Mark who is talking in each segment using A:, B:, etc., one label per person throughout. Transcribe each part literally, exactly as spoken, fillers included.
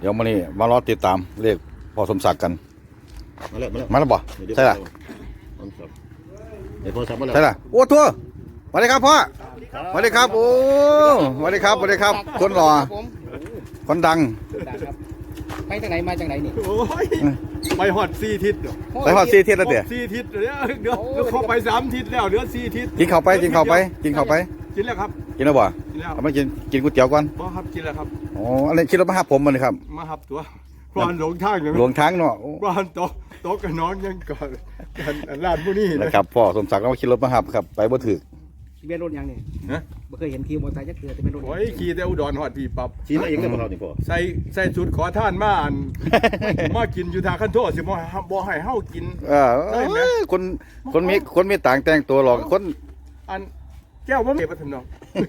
A: ดี๋ยวมานี่มารอติดตามเลขพอสมศักดิ์กัน
B: มาแล้วมาแล้ว
A: มาแล้วบ่ใช่ล่ะ
B: เดี๋ยวพอสับมาแล้ว
A: ใช่ล่ะโอ้ทั่วสวัสดีครับพ่อสวัสดีครับโอ้สวัสดีครับสวัสดีครับคนหล่อคนดัง
C: ไปจากไหนมาจากไหนนี่
D: โอ้ยไปหอดสี่ทิศ
A: ไปหอดสี่ทิศแล้วเดี๋ยว
D: สี่ทิศเดี๋ยวเดี๋ยวเดี๋ยวเขาไปสามทิศแล้วเดี๋ยวสี่ทิศ
A: กินข้าวไปกินข้าวไปกินข้าวไป
D: กินแล้วครับ
A: กินแล้วบ่
D: กินแล้ว
A: ทำไมกินกินก๋วยเตี๋ยวก่อน
D: บ่ครับกินแล้วครับ
A: อ๋ออะไรคิดว่ามาหาผมมันเลยครับ
D: มาหับตัวกวานหลงทางเลย
A: หลงทางเนาะ
D: กวานโตโตกับน้องยังก่อนกันร้านผู้นี้
A: นะครับพ่อสมศักดิ์เราขี่รถมาหับครับไปบ่ถึก
C: เบียนรถยังนี่ฮะไม่เคยเห็นขี่มอเตอร์ไซค์จักเทื่อแต่เป็นรถ
D: โอ้ยขี่แต่อุดรหอดพี่ปับ
B: ขี่มาเองเลยบ่ครับนี่พ่อ
D: ใส่ใส่ชุดขอท่านมาอันมากินอยู่ทางขั้นโทษสิบ่บ่ให้เฮากิน
A: เออคนคนมีคนมีต่างแต่งตัวหรอกคน
D: อันแก้วบ่มีบ่ทำน้อง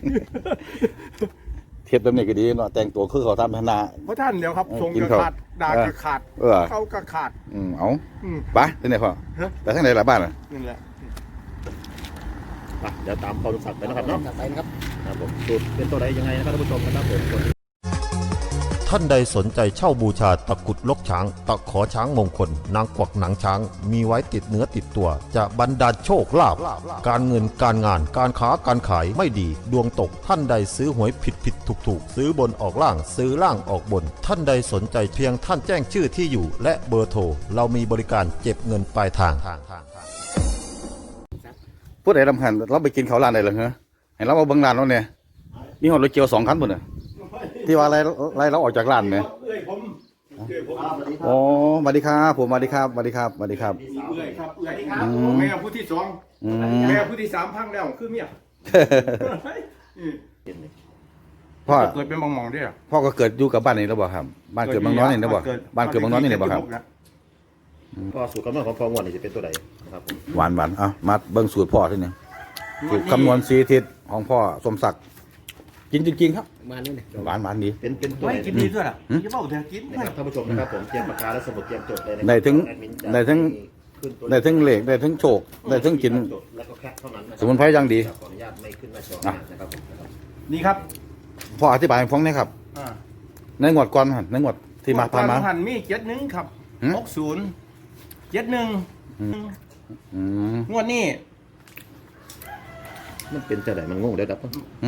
A: เทียบแบบนี้ก็ดีเนาะแต่งตัวคือเขาทำพนา
D: เพราะท่านเดี๋ยวครับทรงกระขาดด่ากระขาดเขากระขาด
A: อืมเอาไปที่ไหนพ่อไปทางไหนล่ะบ้านอ่ะ
D: นั่นแหละ
B: เดี๋ยวตามพอสมศักดิ์ไปนะครับเนาะ
C: ไปนะครับ
B: ครับผมสูตรเป็นตัวใดยังไงนะครับท่านผู้ชมนะครับผม
E: ท่านใดสนใจเช่าบูชาตะกุดลกช้างตะขอช้างมงคลนางกวักหนังช้างมีไว้ติดเนื้อติดตัวจะบรรดาลโชคลาภการเงินการงานการค้าการขายไม่ดีดวงตกท่านใดซื้อหวยผิดผิดถูกถูกซื้อบนออกล่างซื้อล่างออกบนท่านใดสนใจเพียงท่านแจ้งชื่อที่อยู่และเบอร์โทรเรามีบริการเก็บเงินปลายทาง
A: พูดอะไรลำพันเราไปกินเขาร้านไหนเหรอฮะเห็นเรามาเบิ้งร้านแล้วเนี่ยนี่หอดรถเกียวสองคันหมดเลยที่ว่าอะไรอะไรเราออกจากร้านไหมโอ้สวัสดีครับผมสวัสดีครับสวัสดีครับสวัสดีครับ
D: เอื้อยครับเอื้อยแม่ผู้ที่สองแม่ผู้ที่สามพังแล้วคือเมียพ่อเกิดเป็นบางมองด้วย
A: พ่อก็เกิดอยู่กับบ้านนี้แล้วบ่ครับบ้านเกิดบางน้อยนี่แล้วบ่บ้านเกิดบางน้อยนี่แล้วบ่ครับ
B: พ่อสูตรคำนวณของพ่องวดนี่จะเป็นตัวใดนะครับ
A: หวานหวานอ่ะมาเบิ้งสูตรพ่อที่นี่สูตรคำนวณสีทิศของพ่อสมศักดิ์กินจริงๆครับ
C: มานี่เนี่ย
A: หวานหวานดี
B: เป็นเป็นตัว
D: กินดีด้วยล่ะกินเปล่าแต่กิน
B: นะครับท่านผู้ชมนะครับผมเตรียมปากกาและสมุดเตรียมจดเลยนะ
A: ได้ถึงได้ถึงได้ถึงเหล็กได้ถึงโชคได้ถึงกินสมุนไพรยังดี
B: ขออนุญาตไม่ขึ้นหน้าจอนะครับผม
D: นี่ครับ
A: พ่ออธิบายให้ฟังหน่อยครับในงวดก่อนในงวดที่มาผ่านมา
D: หันมีเจ็ดหนึ่งครับหกศูนย์เจ็ดหนึ่งงวดนี้
B: มันเป็นจะไหนมันงงได้ครับ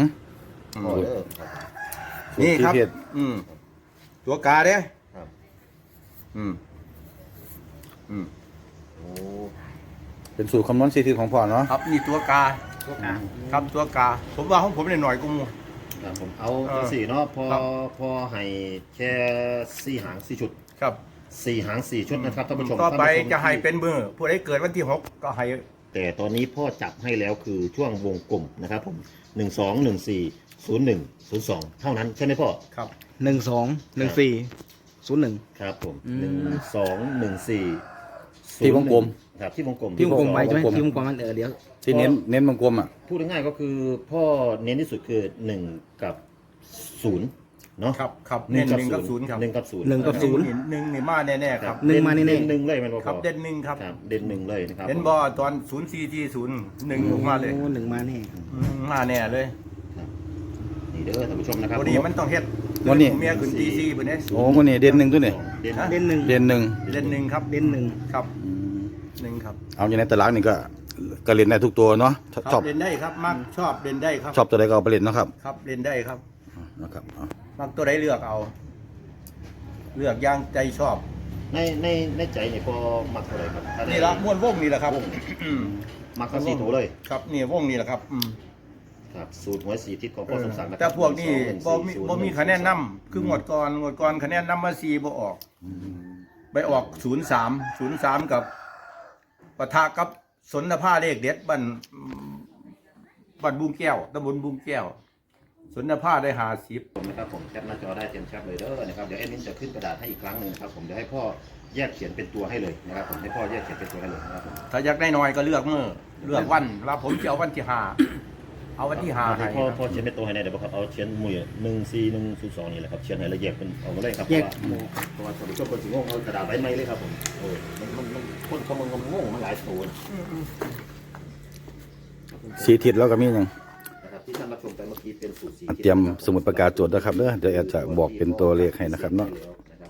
D: นี่ครับอืมตัวกาเด้
B: ครับ
D: อืมอืม
B: โอ้
A: เป็นสูตรคำนวณสีทิศของพ่อเนาะ
D: ครับนี่ตัวกาตัวกาครับตัวกาผมว่าของผมเนี่ยหน่อยกูมู
B: ครับผมเอาสี่เนาะพอพอให้แค่สี่หางสี่ชุด
D: ครับ
B: สี่หางสี่ชุดนะครับท่านผู้ชม
D: ต่อไปจะให้เป็นมือผู้ใดเกิดวันที่หกก็ให้
B: แต่ตอนนี้พ่อจับให้แล้วคือช่วงวงกลมนะครับผมหนึ่งสองหนึ่งสี่ศูนย์หนึ่งศูนย์สองเท่านั้นใช่ไหมพ่อ
D: ครับ
C: หนึ่งสองหนึ่งสี่ศูนย์หนึ่ง
B: ครับผมหนึ่งสองหนึ่งสี่
A: ที่วงกลม
B: ครับที่วงกลม
C: ที่วงกลมไปใช่ไหมที่วงกลมมันเออเดี๋ยว
A: ที่เน้นเน้นวงกลมอ่ะ
B: พูดง่ายๆก็คือพ่อเน้นที่สุดคือหนึ่งกับศูนย์เนาะ
D: ครับครับหนึ่งกับศูนย์ครับ
B: หนึ่งกับศูนย์
C: หนึ่งกับศูนย์
D: หนึ่งนี่มาแน่ๆครับ
C: หนึ่งมาแน่
B: ๆหนึ่งเลยมัน
D: ครับเด่นหนึ่งครับ
B: เด่นหนึ่งเลยนะครับ
D: เห็นบ่ตอนศูนย์สี่ที่ศูนย์หนึ่งลงมาเลย
C: โอ้หนึ่งมาแน่
D: มาแน่เลย
B: นี่เด้อท่านผู้ชมนะครับ
D: วันนี้มันต้องเฮ็ด
A: วันนี้
D: เมียขึ้นตีสี่เพิ่นเด้
A: โอ้วันนี้เด่นหนึ่งตัวนี่
C: เด่นหนึ่ง
A: เด่นหนึ่ง
D: เด่นหนึ่งครับ
C: เด่นหนึ่ง
D: ครับหนึ่งครับ
A: เอาอย่างในตารางนี่ก็ก็เล่นได้ทุกตัวเนาะ
D: ชอบเล่นได้ครับมักชอบเล่นได้ครับ
A: ชอบตัวใดก็เอาไปเล่นเนาะครับ
D: ครับเล่นได้ครับ
A: นะครับ
D: มักตัวใดเลือกเอาเลือกอย่างใจชอบ
B: ในในในใจนี่พอมักเท่าไหร่ครับ
D: นี่ละม้วนวงนี่แหละครับ
B: มักทั้งสี่ตัวเลย
D: ครับนี่วงนี่แหละครับ
B: ครับสูตรหวยสีทิศของพ่อสมศักดิ์
D: แต่พวกนี้บ่มีบ่มีคะแนนนำคืองวดก่อนงวดก่อนคะแนนนำมาสี่บ่ออกไปออกศูนย์สามศูนย์สามกับปะทะกับสนภาเลขเด็ดบ้านบ้านบุ้งแก้วตำบลบุ้งแก้วสนภาได้หาสิบ
B: นะครับผมแคปหน้าจอได้เตรียมแคปเลยเด้อนะครับเดี๋ยวแอดมินจะขึ้นกระดาษให้อีกครั้งหนึ่งครับผมเดี๋ยวให้พ่อแยกเขียนเป็นตัวให้เลยนะครับผมให้พ่อแยกเขียนเป็นตัวให้เลยนะครับผม
D: ถ้าอยากได้น้อยก็เลือกเมื่อเลือกวันว่าผมจะเอาวันที่ห้าเอาวันที่ห้าให้
B: พ่อพ่อเขียนเป็นตัวให้ได้เดี๋ยวบอกครับเอาเขียนมือหนึ่งสี่หนึ่งศูนย์สองนี่แหละครับเขียนให้ละเอียดเป็นเอามาเลยครับ
C: แยก
B: เพราะว่าสมัยช่วงคนสิงห์เอากระดาษไว้ไม่เลยครับผมโอ้มันมันมันคนเขามันงงมันหลายตัว
A: สีทิศแล้วก็มีอย่าง
B: ที่ท่านรับชมไปเมื่อกี้เป็นสูตรสี
A: เตรียมสมุดประกาศจดนะครับเด้อเดี๋ยวจะบอกเป็นตัวเลขให้นะครับเนาะ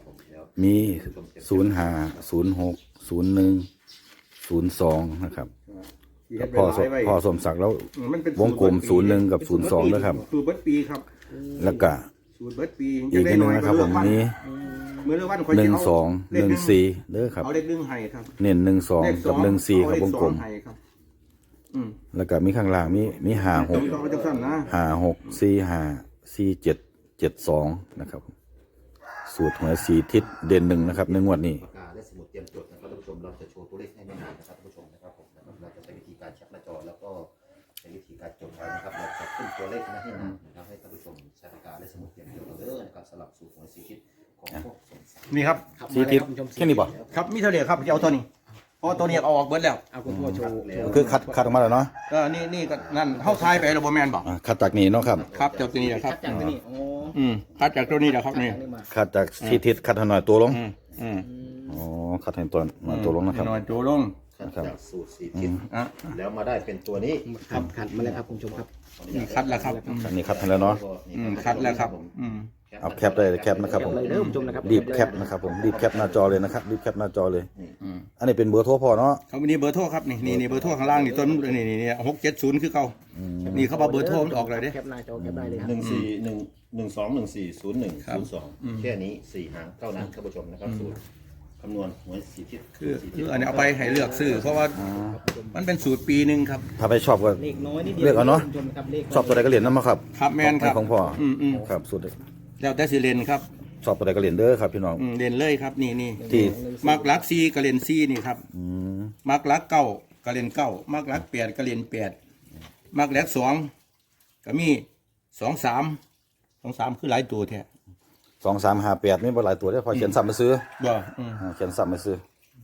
A: มีศูนย์ห้าศูนย์หกศูนย์หนึ่งศูนย์สองนะครับกับพ่อสพ่อสมศักดิ์แล้ว
D: มันเป็น
A: วงกลมศูนย์หนึ่งกับศูนย์สองนะครับ
D: คือเบิดปีครับ
A: แล้วก็
D: สูตรเบิดปี
A: อีกนิดนึงนะครับผมมี
D: เมื่อเรื่องวันคอย
A: หนึ่ง
D: จะเา
A: สอง
D: เล
A: ห
D: ข
A: นึ่งสี่เด้อครับ
D: เอาเลขหนึ่งให้ครับ
A: เน้นหนึ่งสอง
D: เลข
A: กับหนึ่งสี่ครับ
D: เอา
A: ว
D: เล
A: ง
D: ข
A: กลม
D: สองให้ครับอืม
A: แล้วก็มีข้างล่างมีมีห้าห
D: ตร
A: ก
D: งต้องเอาจังสั้นนะ
A: ห้าหกสี่ห้าสี่เจ็ดเจ็ดสองนะครับ สูตรหวยสี่ทิศเด่นหนึ่งนะครับในงวดนี้
B: ปากกาและสมุดเตรียมจดนะครับท่านผู้ชมเราจะโชว์ตัวเลขให้ไม่นานนะครับท่านผู้ชมนะครับผมนะครับเราจะใช้วิธีการแคปหน้าจอแล้วก็ใช้วิธีการจดไว้นะครับเราจะขึ้นตัวเลขไม่ให้นานนะครับให้ท่านผู้ชมใช้ปากกาและสมุดเตรียมจดเอาเด้อนะครับสำหรับสูตรหวยสี่ทิศของพวกสมศักดิ์
D: นี่ครับ
C: ครับ
A: สี่ทิศ
C: มาเลยรับณผู้ชม
A: แค่นี้บ่
D: ครับมีเท่าเดียวครับจะเอาตัวนี้เพราะว่าตัวนี้เอาออกเบิดแล้ว
C: เอาคุณพ่อโชว์โชว์
A: คือคัดคัดออกมาแล้วเนาะ
D: เออนี่นี่ก็นั่นเข้าทายไปแล้วบ่แม่นบ่
A: อ่าคัดจากนี้เนาะครับ
D: ครับจากตัวนี้แหละครับ
C: จากตัวนี้โอ้
D: อืมคัดจากตัวนี้แหละครับนี่
C: จากนี้มา
A: คัดจากสี่ทิศคัดให้หน่อยตัวลง
D: อืมอืม
A: อ๋อคัดให้ตัวหน่อยตัวลงนะครับ
D: หน่อยตัวลง
B: คัดจากสูตรสี่ทิศ
D: อ่ะ
B: แล้วมาได้เป็นตัวนี้
C: ครับขัดมาแล้วครับคุณผู้ชมครับ
D: นี่คัดแล้วครับอืม
A: อันนี้คัดให้แล้วเนาะ
D: อืมคัดแล้วครับอืม
A: เอาแคปได้เลยแคปนะครับผม
C: เลยเด้อคุณผู้ชมนะครับ
A: รีบแคปนะครับผมรีบแคปหน้าจอเลยนะครับรีบแคปหน้าจอเลย
D: อืม
A: อันนี้เป็นเบอร์โทรพ่อเนาะ
D: เขามีเบอร์โทรครับนี่นี่นี่เบอร์โทรข้างล่างนี่ต้นนี่นี่นี่หกเจ็ดศูนย์คือเขานี่เขาบอกเบอร์โทรมันออกเลยเด้
C: แคปหน้าจอแคปได้เลยครับ
B: หนึ่งสี่หนึ่งหนึ่งสองหนึ่งสี่ศูนย์หนึ่งศูนย์สองแค่นี้สี่หางเท่านั้นท่านผู้ชมนะครับสูตรคำนวณหวยสี่ทิศ
D: คือคืออันนี้เอาไปให้เลือกซื้อเพราะว่ามันเป็นสูตรปีหนึ่งครับ
A: ถ้าไปชอบก็
C: เลขน้อยนิดเดียว
A: เลือกเอาเนาะ
C: คุณผู้ชมครับเลข
A: ชอบตัวใดก็เหรียญนั่นมาครับ
D: ครับแมนครับ
A: ของพ่ออ
D: มอืม
A: ครับสุด
D: แล้วแต่สิเลนครับ
A: ชอบตัวใดก็เหรียญเด้อครับพี่น้อง
D: อืมเล่นเลยครับนี่นี่
A: ที่
D: มักลักซีกระเลนซีนี่ครับ
A: อืม
D: มักลักเก้ากระเลนเก้ามักลักแปดกระเลนแปดมักลักสองก็มีสองสามสองสามคือหลายตัวแท้
A: สองสามห้าแปดนี่บ่หลายตัวได้อพอเขียนซ้ำมาซื้อ
D: บ่อืม
A: อ่าเขียนซ้ำมาซื้อ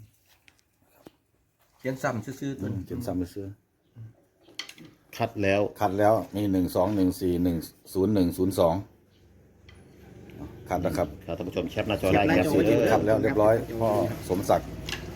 D: เขียนซ้ำซื่อๆตัวนี้
A: เขียนซ้ำมาซื้อ
B: คัดแล้ว
A: คัดแล้วมีหนึ่งสองหนึ่งสี่หนึ่งศูนย์หนึ่งศูนย์สองคัดแล้วครับ
B: ครับท่านผู้ชมแคปหน้าจอได้แคป
A: สี่
B: เล
A: ทิศ
B: ย
A: คัดแล้วเรียบร้อยพ่อสมศักดิ์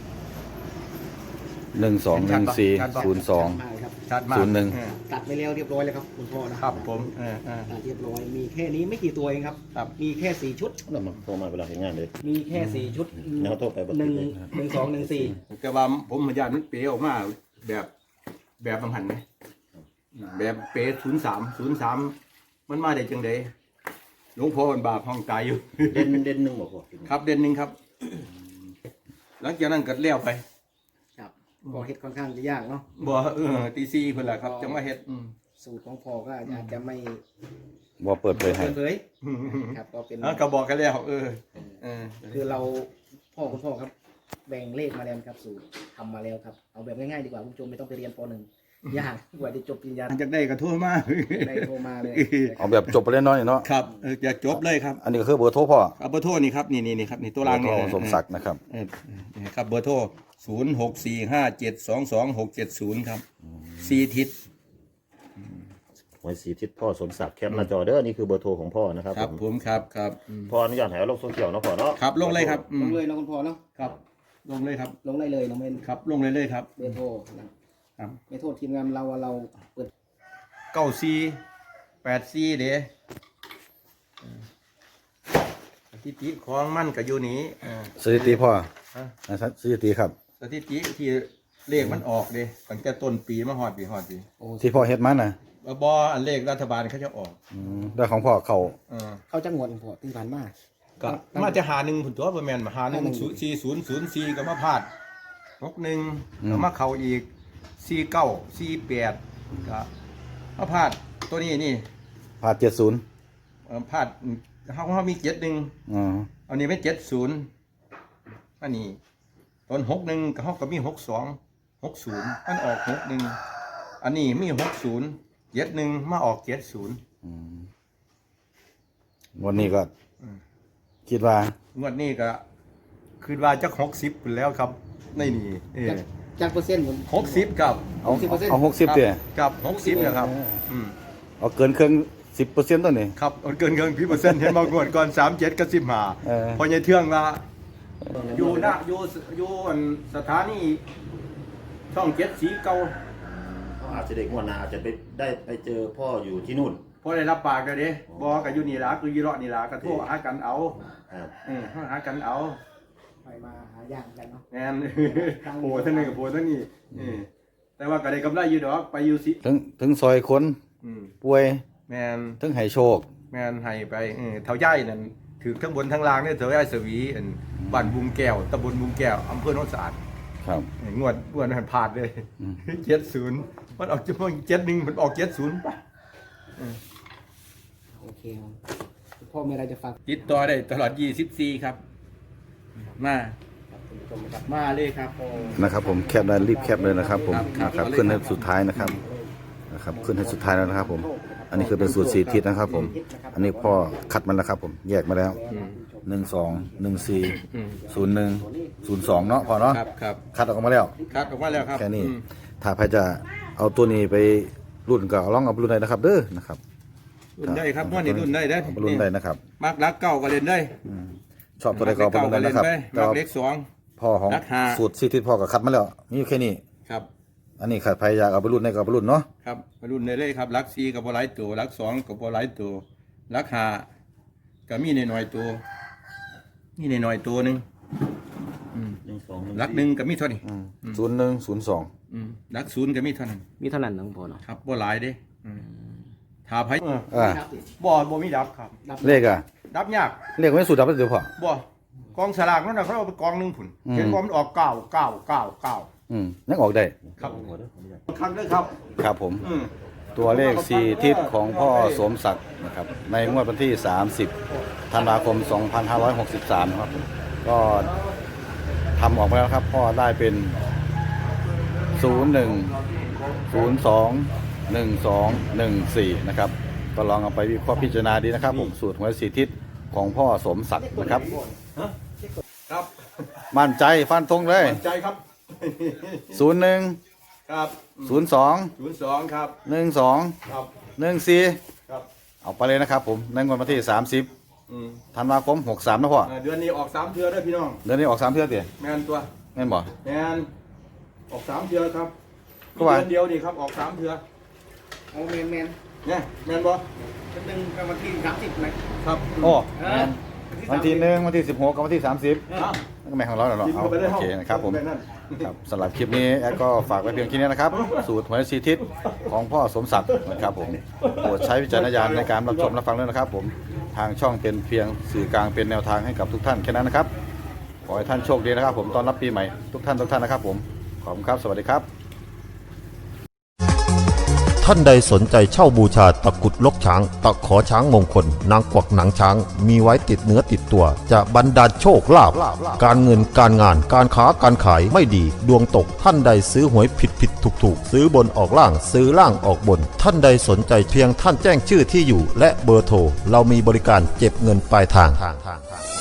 A: หนึ่งสองหนึ่งสี่ศูนย์สอง
C: มาเลยครับ
D: ชัดมาก
A: ศูนย์หนึ่ง
D: เออ
C: ตัดไปแล้วเรียบร้อยแล้วครับคุณพ่อนะครับ
D: ผมเออเออ
C: ตัดเรียบร้อยมีแค่นี้ไม่กี่ตัวเองครับ
D: ครับ
C: มีแค่สี่ชุด
B: เรามาโทรมาเวลาเห็นงานเลย
C: มีแค่สี่ชุด
B: แล้วโทรไปบอก
C: หนึ่ง
B: เลย
C: หนึ่งสองหนึ่งสี่
D: แต่ว่าผมพยานมันเป๋ออกมาแบบแบบบางหันไหมแบบเป๋ศูนย์สามศูนย์สามมันมาได้จังไดหลวงพ่อมันบาปห้องตายอยู่
B: เด่นเด่นหนึ่งบอกว่า
D: ครับเดือนหนึ่งครับ หลังจากนั้นก็เลี้ยวไป
C: ครับพอเฮ็ดค่อนข้างจะยากเนาะ
D: บ่เออตีซีเพิ่นล่ะครับจังว่าเฮ็ดอืม
C: สูตรของพ่อก็อาจจะไม่
A: ว่าเปิดเผยให้
C: เปิดเผยครับก็เป็น
D: อ่ะก็บอกกันแล้วเออเออ
C: คือเราพ่อคุณพ่อครับ แบ่งเลขมาแล้วครับสูตรทำมาแล้วครับเอาแบบง่ายๆดีกว่าคุณผู้ชมไม่ต้องไปเรียนปหนึ่งยากกว่าจะจบปริญญา
D: หลังจากได้ก็โทั่วมา
C: ได้โทรมาเลย
A: เอาแบบจบไปเล่นน้อยเนาะ
D: ครับเออจะจบเลยครับ
A: อันนี้ก็คือเบอร์โทรพ่อ
D: เอาเบอร์โทรนี่ครับนี่นี่นี่ครับนี่ตัวรางนี่
A: เบอร์โทรสมศักดิ์นะครับ
D: เออนี่ครับเบอร์โทรศูนย์หกสี่ห้าเจ็ดสองสองหกเจ็ดศูนย์ครับสี่ทิศ
B: หวยสี่ทิศพ่อสมศักดิ์แคปหน้าจอเด้อนี่คือเบอร์โทรของพ่อนะครับ
D: ครับผมครับครับอืม
B: พ่ออนุญาตให้เอาลงโซเชียลเนาะพ่อเนาะ
D: ครับลงเลยครับอื
C: ล
D: ม
C: งเลยนะคุณพ่อเนาะ
D: ครับ ลงเลยครับ
C: ลงได้เลยน้องเมน
D: ครับลงเลยเลยครับ
C: เบอร์โทรนะครับ ไม่โทษทีมงานเราว่าเราเปิด
D: เก้าสี่แปดสี่เด้สถิติของมันก็อยู่นี้อ่า
A: สถิติพ่อ
D: ฮะ
A: นะครับสถิติครับ
D: สถิติที่เลขมันออกเด้ตั้งแต่ต้นปีมาฮอดปีฮอดปี
A: ที่พ่อเฮ็ดมาน่ะ
D: บออันเลขรัฐบาลเขาจะออก
A: อืมได้ของพ่อเขา
D: เออ
C: เข้าจังหวัดของพ่อที่ผ่านมา
D: ก็มาจะหาหนึ่งผุนตัวประมาณมาหาหนึ่งสี่ศูนย์ศูนย์สี่ก็มาพลาดหกหนึ่งก็มาเข่าอีกสี่เก้าสี่แปดก็มาพลาดตัวนี้นี่
A: พาเจ็ดศูนย์
D: เอ่อพลาดเขาเขามีเจ็ดหนึ่ง
A: อ๋อ
D: อันนี้เป็นเจ็ดศูนย์อันนี้ตอนหกหนึ่งเขาก็มีหกสองหกศูนย์มันออกหกหนึ่งอันนี้มีหกศูนย์เจ็ดหนึ่งมาออกเจ็ดศูนย์
A: อืมวันนี้ก็คิดว่า
D: งวดนี้ก็คืนว่าจะหกสิบแล้วครับในนี่เออ
C: จากเปอร์เซ็นต์ผม
D: หกสิบกับ
A: เอา
C: สิบเปอร์เซ็นต์
A: เอาหกสิบเดีย
D: กับหกสิบนะครับอืม
A: เอาเกินเครื่องสิบเปอร์เซ็นต์ตัวนี้
D: ครับเอาเกินเกินพี่เปอร์เซ็นต์เห็นบางคนก่อนสามเจ็ดกับสิบห้า
A: เออ
D: พอใหญ่เทื่องว่าอยู่หน้าอยู่อยู่อันสถานีช่องเจ็ดสีเก่า
B: เขาอาจจะเด็กงวดหน้าอาจจะไปได้ไปเจอพ่ออยู่ที่นู่น
D: พอได้รับปากกันเด้บอกกับอยู่นี่ล่ะคือยีเลาะนี่ล่ะก็โทรหากันเอา
B: ครับ
D: เออโทรหากันเอา
C: คอยมาหาย่างกันเนาะ
D: แม่น โอ้ท่านนี่กับโอ้ท่านนี่เออแต่ว่าก็ได้กำไรอยู่ดอกไปอยู่สิ
A: ถึงถึงซอยคน
D: อืม
A: ป่วย
D: แม่น
A: ถึงให้โชค
D: แม่นให้ไปเออเท่าย่ายนั่นถือทั้งบนทั้งล่างเนี่ยเท่าย่ายสวีอันบ้านบุงแก้วตำบลบุงแก้วอำเภอโนนสะอาด
A: ครับ
D: เอองวดงวดนั้นพลาดเลย
A: อืม
D: เจ็ดศูนย์มันออกจะมันเจ็ดหนึ่งมันออกเจ็ดศูนย์ไป
C: โอเคครับพ่อมีอะไรจะฝาก
D: ติดต่อได้ตลอดยี่สิบสี่ครับ มา
C: คุณผู้ชมนะครับ
D: มาเลยครับ
A: นะครับผมแคปได้รีบแคปเลยนะครับผม
D: ครับ
A: นะครับขึ้นให้สุดท้ายนะครับนะครับขึ้นให้สุดท้ายแล้วนะครับผม อันนี้คือเป็นสูตรสี่ทิศนะครับผม อันนี้พ่อคัดมันแล้วครับผมแยกมาแล้วหนึ่งสองหนึ่งสี่ศูนย์หนึ่งศูนย์สองเนาะพอเนาะ
D: ครับครับ
A: คัดออกมาแล้ว
D: คัดออกมาแล้วครับ
A: แค่นี้
D: อืม
A: ถ้าใครจะเอาตัวนี้ไปรุ่นก็เอาลองเอาไปรุ่นได้นะครับเด้อนะครับ
D: รุ่นได้ครับว่านี่รุ่นได้ได้
A: เอาไปรุ่นได้นะครับ
D: มักรักเก่าก็เล่นได้
A: ชอบตัวใดก็เอาไปรุ่นได้นะครับ
D: มั
A: แต่
D: ก
A: ว่า
D: เล็กสอง
A: พ่อของ
D: รักห้า
A: สูตรสี่ทิศพ่อก็คัดมาแล้วมีอยู่แค่นี้
D: ครับ
A: อันนี้ขัดใครอยากเอาไปรุ่นได้ก็เอาไปรุ่นเนาะ
D: ครับมารุ่นได้เลยครับรักซีกับบอลไลายตัวรักสองกับบอลไลายตัวรักห้าก็มีในหน่อยตัวมีในหน่อยตัวหนึ่งอืมรักหนึ่งก็มีเท่านี้
A: ศูนย์หนึ่งศูนย์สอง
D: อืมรักศูนย์ก็มีเท่านั้น
C: มีเท่านั้นน้องพ่อเนาะ
D: ครับบอลไลายเด้อืมถ้าไพ่
A: อ่า
D: บ่บ่มีดับครับ
A: เลขอ่ะ
D: ดับยาก
A: เลขไม่สูตรดับเดี๋ยวพอ
D: บ่กองสลากนั่นน่ะเขาเอาไปกองหนึ่งผุน
A: อืม
D: เห็นว่ามันออกเก้าเก้าเก้าเก้า
A: อืมยังออกได้
D: ครับครั้งเด้อครับ
A: ครับผม
D: อืม
A: ตัวเลขสี่ทิศของพ่อสมศักดิ์นะครับในงวดวันที่ สามสิบธันวาคม สองพันห้าร้อยหกสิบสามครับผมก็ทำออกไปแล้วครับ พ่อได้เป็น ศูนย์หนึ่ง ศูนย์สอง หนึ่งสอง หนึ่งสี่ นะครับก็ลองเอาไปวิเคราะห์พิจารณาดีนะครับผมสูตรหวยสี่ทิศของพ่อสมศักดิ์นะครับ
D: ครับ
A: มั่นใจฟันธงเลย
D: มั่นใจครับ
A: ศูนย์หนึ่ง
D: ครับ
A: ศูนย์สอง
D: ศูนย์สองครับ
A: หนึ่งสอง
D: ครับ
A: หนึ่งสี่
D: ครับ
A: เอาไปเลยนะครับผมในงวดวันที่สามสิบ
D: อืม
A: ธันวาคมหกสามนะพ่อ
D: อ่าเดือนนี้ออกสามเทือได้อพี่น้อง
A: เดือนนี้ออกสามเทื่อเตี๋ย
D: แมนตัว
A: แม่นบ่
D: แมนออกสามเทือครับ
A: ก็ว่า
D: เดือนเดียวนี่ครับออกสามเทือ
C: โอ้แมนแมน
D: เนี่ยแมนบ่
C: เป็นหนึ่งกับวันที่สามสิบไหม
D: ครับ
A: โอ้
C: เอ
A: แม่
C: อน
A: วันที่หนึ่งวันที่สิบหกกับวันที่สามสิบ
D: ครับ
A: นั่นก็แม่นของเราแล้วเนาะ
D: กิน
A: เอา
D: เข้าไปได้
A: โอเคนะครับผม
D: ไปนั่น
A: ครับสำหรับคลิปนี้แอดก็ฝากไว้เพียงแค่นี้นะครับ สูตรหวยสีทิศของพ่อสมศักดิ์นะครับผมโปรดใช้วิจารณญาณในการรับชมรับฟังด้วยนะครับผมทางช่องเป็นเพียงสื่อกลางเป็นแนวทางให้กับทุกท่านแค่นั้นนะครับขอให้ท่านโชคดีนะครับผมตอนรับปีใหม่ทุกท่านทุกท่านนะครับผมขอบคุณครับสวัสดีครับ
E: ท่านใดสนใจเช่าบูชาตะกรุดลกช้าง ตะขอช้างมงคล นางกวักหนังช้าง มีไว้ติดเนื้อติดตัว จะบรรดาลโชคลาภการเงินการงานการค้าการขายไม่ดี ดวงตกท่านใดซื้อหวยผิดผิดถูกถูกซื้อบนออกล่างซื้อล่างออกบน ท่านใดสนใจเพียงท่านแจ้งชื่อที่อยู่ และเบอร์โทรเรามีบริการเก็บเงินปลายทาง